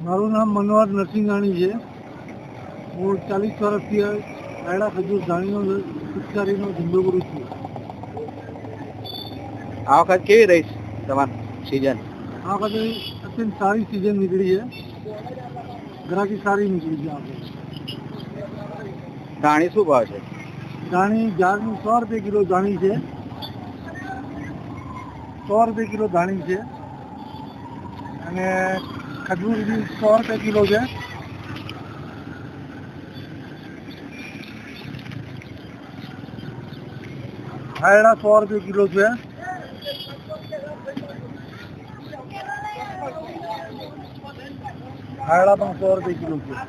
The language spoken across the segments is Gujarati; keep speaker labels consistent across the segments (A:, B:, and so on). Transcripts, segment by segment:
A: મારું નામ મનોહર નરસિંહાણી છે. હું 40 વર્ષથી રાયડા ખજૂર ધાણીનો પિચકારીનો ધંધો કરું છું.
B: આ વખત કેવી રહી તમારી સિઝન?
A: આ વખતે અત્યંત સારી સિઝન નીકળી છે. ગ્રાહકી સારી નીકળી છે. આપણે
B: ધાણી શું ભાવ છે?
A: ધાણી જારની 100 રૂપિયા કિલો ધાણી છે. 100 રૂપિયા કિલો ધાણી છે અને ખજૂર બી 100 રૂપિયા કિલો છે. રાયડા 100 રૂપિયા કિલો છે. રાયડા પણ 100 રૂપિયા કિલો છે.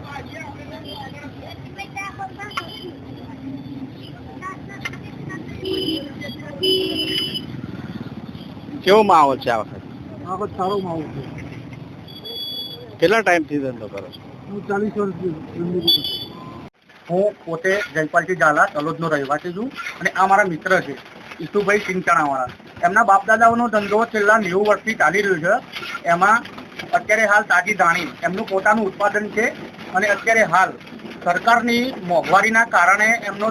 B: કેવો માહોલ છે આ વખત?
A: આ વખત સારો માહોલ છે.
B: કેટલા ટાઈમથી ધંધો કરો છો?
A: હું 40 વર્ષથી ધંધો કરું છું.
C: હું પોતે જયપાલજી ઝાલા તલોદનો રહેવાસી છું અને આ મારા મિત્ર છે ઈસુભાઈ સિંચાણાવાળા. એમના બાપદાદાઓનો ધંધો છેલ્લા 90 વર્ષથી ચાલી રહ્યો છે. એમાં અત્યારે હાલ તાજી ધાણી એમનું પોતાનું ઉત્પાદન છે અને અત્યારે હાલ સરકારની મોંઘવારીના કારણે એમનો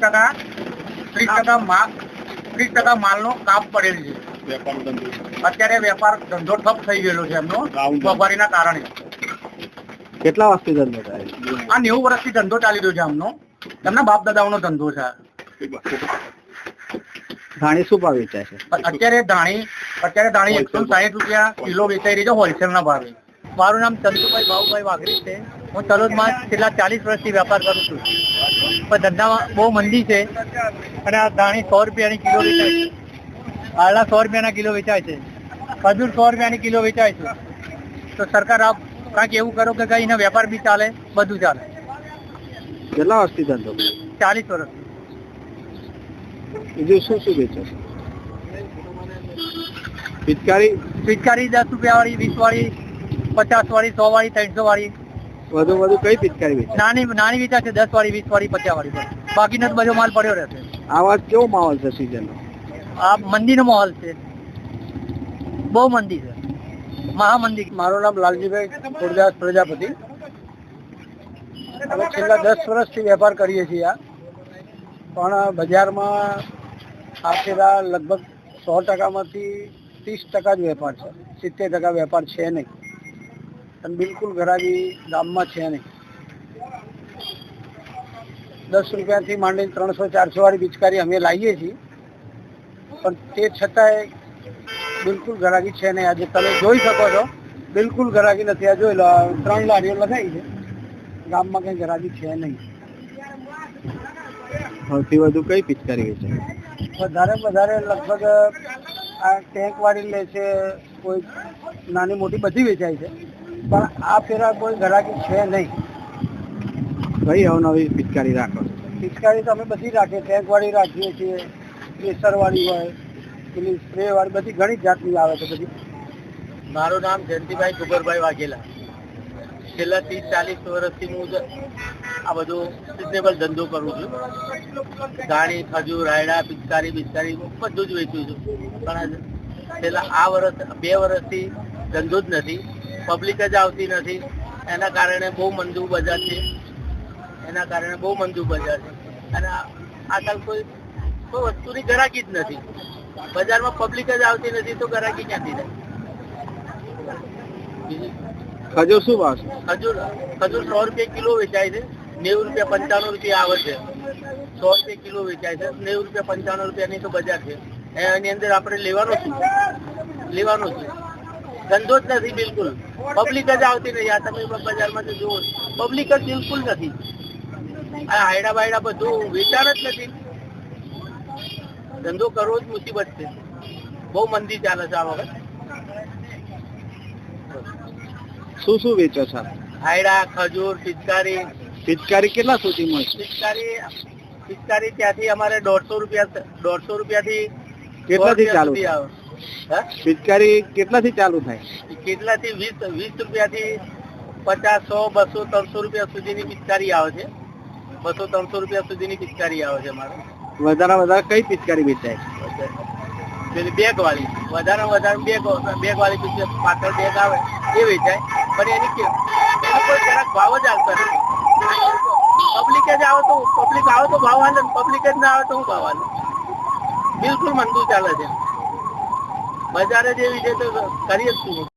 C: 30% માલનો કાપ પડેલ છે. અત્યારે વેપાર ધંધો ઠપ થઈ ગયેલો છે એમનો મોંઘવારીના કારણે.
B: કેટલા વર્ષથી ધંધો થાય?
C: આ 90 વર્ષથી ધંધો ચાલી રહ્યો છે એમનો. એમના બાપ દાદાઓનો ધંધો છે.
B: ધાણી શું ભાવ વેચાય છે?
C: અત્યારે ધાણી 160 રૂપિયા કિલો વેચાઈ રહી છે હોલસેલના ભાવે. મારું નામ ચંદુભાઈ ભાઉભાઈ વાઘરી છે. હું તલોદમાં છેલ્લા 40 વર્ષથી વેપાર કરું છું. પણ ધંધામાં બહુ મંદી છે અને આ ધાણી 100 રૂપિયાની કિલો વેચાય છે. આળા 100 રૂપિયાના કિલો વેચાય છે. ખજૂર 100 રૂપિયાની કિલો વેચાય છે. તો સરકાર આપ કાંઈક એવું કરો કે કઈ એનો વેપાર બી ચાલે, બધું ચાલે.
B: કેટલા વર્ષથી ધંધો?
C: 40 વર્ષ.
B: બીજું શું શું વેચો છો? પિચકારી
C: 10 રૂપિયા વાળી, 20 વાળી, 50 વાળી, 100 વાળી, 300 વાળી.
B: વધુ કઈ પિચકારી વેચો?
C: નાની વેચાય છે 10 વાળી, 20 વાળી, 50 વાળી. બાકીનો તો બધો માલ પડ્યો રહેશે.
B: આ વાત કેવો માહોલ છે સિઝનનો?
C: આ મંદીનો માહોલ છે. બહુ મંદી છે, મહામંદી.
A: મારું નામ લાલજીભાઈ ખોડદાસ પ્રજાપતિ. અમે છેલ્લા 10 વર્ષથી વેપાર કરીએ છીએ. પણ બજારમાં આપેલા લગભગ 100%માંથી 30% જ વેપાર છે. 70% વેપાર છે નહીં અને બિલકુલ ઘરાકી ગામમાં છે નહીં. 10 રૂપિયાથી માંડીને 300-400 વાળી પિચકારી અમે લાવીએ છીએ, પણ તે છતાંય બિલકુલ ઘરાકી છે નહીં. આજે તમે જોઈ શકો છો, બિલકુલ ઘરાકી નથી. આ જોઈ લો, 3 લારીઓ લગાવી છે. ગામમાં કંઈ ઘરાકી છે નહીં.
B: સૌથી વધુ કઈ પિચકારી વેચાય?
A: વધારે લગભગ આ ટેન્ક વાળી લે છે, કોઈ નાની મોટી બધી વેચાય છે. પણ આ ફેરા કોઈ ઘરાકી છે નહીં.
B: કઈ અવનવી પિચકારી રાખો?
A: પિચકારી તો અમે બધી રાખીએ. ટેન્ક વાળી રાખીએ છીએ, પ્રેશર વાળી હોય, પેલી સ્પ્રે વાળી, બધી ઘણી જાતની આવે છે બધી.
C: મારું નામ જયંતિભાઈ કુબરભાઈ વાઘેલા. છેલ્લા 30-40 વર્ષથી હું આ બધું સિઝનેબલ ધંધો કરું છું. ધાણી, ખજૂર, રાયડા, પિચકારી બધું જ વેચું છું. પણ છેલ્લા 2 વર્ષથી ધંધો જ નથી. પબ્લિક જ આવતી નથી. એના કારણે બહુ મંદુ બજાર છે. અને આજકાલ કોઈ વસ્તુની ગ્રાહકી જ નથી. બજારમાં પબ્લિક જ આવતી નથી તો ગ્રાહકી ક્યાંથી થાય?
B: ખજૂર શું ભાવ છે?
C: ખજૂર 100 રૂપિયા કિલો વેચાય છે. 90 રૂપિયા 95 રૂપિયા આવે છે. 100 રૂપિયા કિલો વેચાય છે. 90 રૂપિયા 95 રૂપિયાની તો બજાર છે. એની અંદર આપણે લેવાનો છું. ધંધો જ નથી બિલકુલ. પબ્લિક જ આવતી નથી. આ તમે બજારમાં તો જુઓ, પબ્લિક જ બિલકુલ નથી. આ હાયડા બાયડા બધું વેચાણ જ નથી. ધંધો કરવો જ મુસીબત છે. બહુ મંદી ચાલે છે આ વખત.
B: શું વેચો છો?
C: હાયડા, ખજૂર,
B: પિચકારી કેટલા સુધી મળશે?
C: પિચકારી ત્યાંથી અમારે 150 રૂપિયાથી
B: કેટલાથી ચાલુ
C: આવે?
B: પિચકારી કેટલાથી ચાલુ થાય?
C: કેટલાથી 20 રૂપિયાથી 50, 100, 200, 300 રૂપિયા સુધીની પિચકારી આવે છે. 200-300 રૂપિયા સુધીની પિચકારી આવે છે અમારે.
B: વધારે કઈ પિચકારી વેચાય?
C: પેલી બેગ વાળી, વધારે બેગ વાળી પાછળ બેગ આવે એ વેચાય.
A: પણ એનો કોઈ જરાક ભાવ જ આવતો નથી. પબ્લિક જ આવે તો ભાવ હાલે, પબ્લિક જ ના આવે તો હું ભાવ હાલે. બિલકુલ મંદુ ચાલે છે. બજારે જેવી છે તો કરીએ જ શું.